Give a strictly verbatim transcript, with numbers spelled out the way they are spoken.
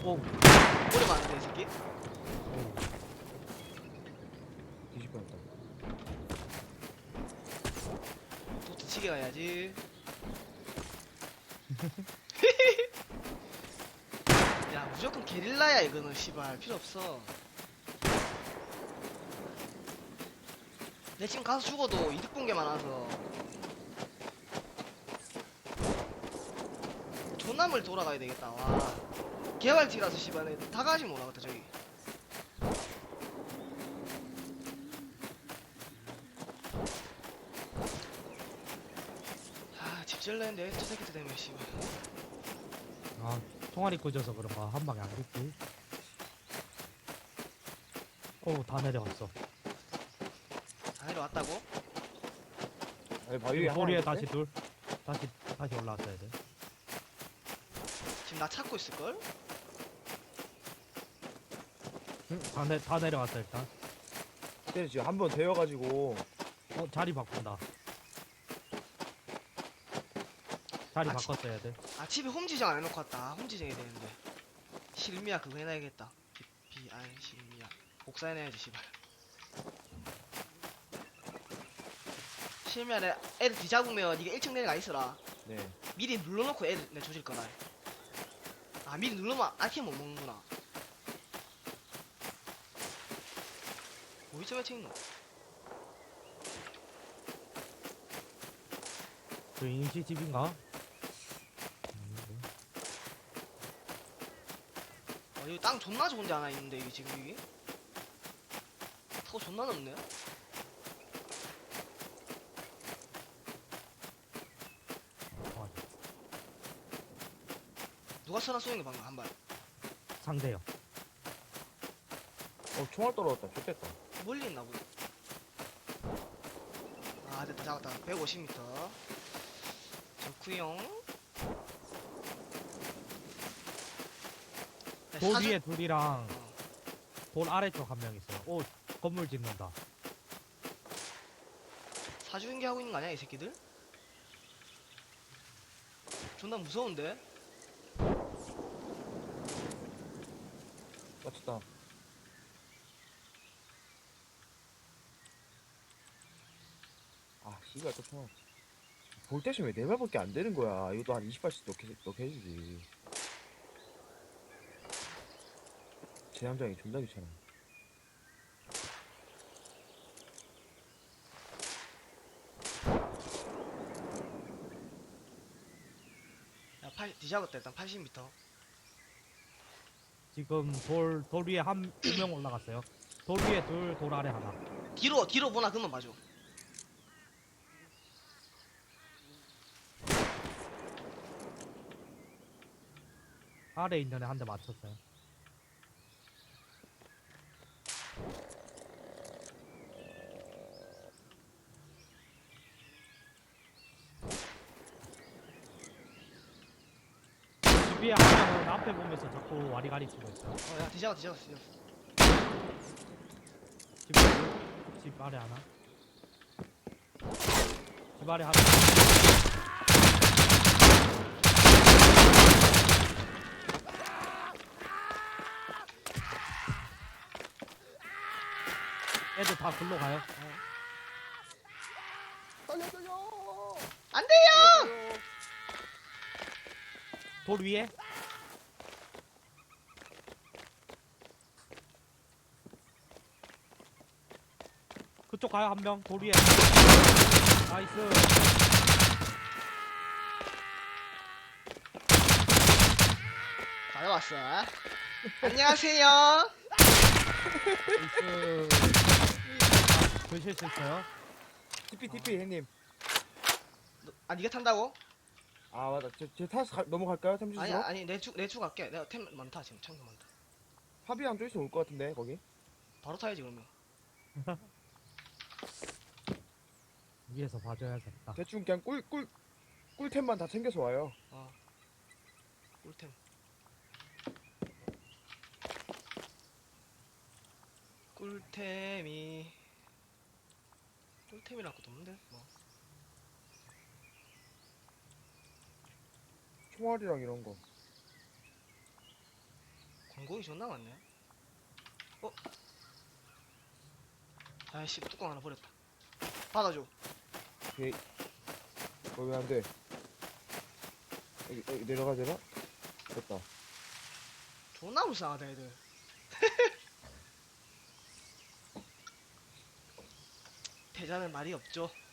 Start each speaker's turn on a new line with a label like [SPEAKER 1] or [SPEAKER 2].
[SPEAKER 1] 오.
[SPEAKER 2] 오래 맞는데 이 새끼?
[SPEAKER 1] 오.
[SPEAKER 3] 뒤집어졌다.
[SPEAKER 2] 도트 치게 가야지. 야 무조건 게릴라야 이거는 씨발 필요 없어. 내 지금 가서 죽어도 이득 본 게 많아서 존나물 돌아가야 되겠다. 와 개발티라서 씨발 다 가지 못하겠다 저기. 아 집질랬는데 저 새끼들 때문에 씨발.
[SPEAKER 1] 아, 총알이 꽂아서 그런가 한 방에 안 죽지. 오, 다 내려갔어.
[SPEAKER 2] 다 내려왔다고?
[SPEAKER 3] 아니 바위 위에
[SPEAKER 1] 소리에
[SPEAKER 3] 하나
[SPEAKER 1] 다시
[SPEAKER 3] 있는데?
[SPEAKER 1] 둘. 다시 다시 올라왔어야 돼.
[SPEAKER 2] 지금 나 찾고 있을걸?
[SPEAKER 1] 응, 다, 내, 다 내려갔어 일단.
[SPEAKER 3] 그때 지금 한 번 데워가지고
[SPEAKER 1] 어, 자리 바꾼다. 자리
[SPEAKER 2] 아,
[SPEAKER 1] 바꿨어야 돼.
[SPEAKER 2] 아 집에 홈지정 안 해놓고 왔다. 홈지정 해야 되는데 실미야 그거 해놔야겠다. 비아이 실미야 복사해놔야지 씨발. 실미야 내 애들 뒤잡으면 니가 일 층 내려가 있어라.
[SPEAKER 3] 네.
[SPEAKER 2] 미리 눌러놓고 애들 내 조질 거다. 아 미리 누르면 아이템 못 먹는구나. 어디서 매칭 있노?
[SPEAKER 1] 저 인식집인가?
[SPEAKER 2] 어, 여기 땅 존나 좋은 데 하나 있는데 이게 지금 여기? 타고 존나 넓네.
[SPEAKER 1] 어,
[SPEAKER 2] 누가 선화 쏘는 거 방금 한 발.
[SPEAKER 1] 상대요.
[SPEAKER 3] 어 총알 떨어졌다. 좋겠다.
[SPEAKER 2] 멀리 있나 보다. 아 됐다 잡았다. 백오십 미터. 좋구용. 야,
[SPEAKER 1] 돌
[SPEAKER 2] 사주-
[SPEAKER 1] 위에 둘이랑
[SPEAKER 2] 어.
[SPEAKER 1] 돌 아래쪽 한 명 있어요. 오, 건물 짓는다.
[SPEAKER 2] 사주인계 하고 있는 거 아니야 이 새끼들? 존나 무서운데?
[SPEAKER 3] 맞췄다. 아 씨발 또 총알. 볼 대신 왜 네 발밖에 안 되는 거야? 이것도 한 이십 발씩 넣게 넣게 해주지. 제 함장이 존나 귀찮아.
[SPEAKER 2] 야 팔, 뒤잡았다 일단 팔십 미터.
[SPEAKER 1] 지금 돌, 돌 위에 한, 두 명 올라갔어요. 돌 위에 둘, 돌 아래 하나.
[SPEAKER 2] 뒤로 뒤로 보나 그만 봐줘.
[SPEAKER 1] 아래 있는 애 한 대 맞췄어요. 집 위에 한 명은 앞에 보면서 자꾸 와리가리 치고 있어요.
[SPEAKER 2] 어야 뒤잡아 뒤잡아 뒤잡아.
[SPEAKER 1] 집, 위에, 집 아래 하나. 집 아래 하나. 애들 다 글로 가요.
[SPEAKER 3] 살려줘요.
[SPEAKER 2] 안 돼요!
[SPEAKER 1] 돌 위에. 그쪽 가요 한 명. 돌 위에. 나이스.
[SPEAKER 2] 가져왔어. 안녕하세요.
[SPEAKER 1] 나이스. 교실 있어요.
[SPEAKER 3] 티피 티피 형님.
[SPEAKER 2] 너, 아 니가 탄다고?
[SPEAKER 3] 아 맞다. 제, 제 타서 가, 넘어갈까요?
[SPEAKER 2] 아니
[SPEAKER 3] 탐지수로?
[SPEAKER 2] 아니 내주 내주 갈게. 내가 템 많다 지금 창도 많다.
[SPEAKER 3] 합의한 쪽에서 올 것 같은데 거기.
[SPEAKER 2] 바로 타야지 그러면.
[SPEAKER 1] 위에서 봐줘야겠다.
[SPEAKER 3] 대충 그냥 꿀 꿀 꿀템만 다 챙겨서 와요.
[SPEAKER 2] 어. 꿀템. 꿀템이 꿀템이랄 것도 없는데 뭐.
[SPEAKER 3] 총알이랑 이런 거.
[SPEAKER 2] 금고기 존나 많네. 어? 아이씨, 뚜껑 하나 버렸다. 받아줘.
[SPEAKER 3] 오케이. 어, 왜 안 돼? 여기, 여기 내려가야 되나? 됐다.
[SPEAKER 2] 존나 불쌍하다, 애들. 대자는 말이 없죠.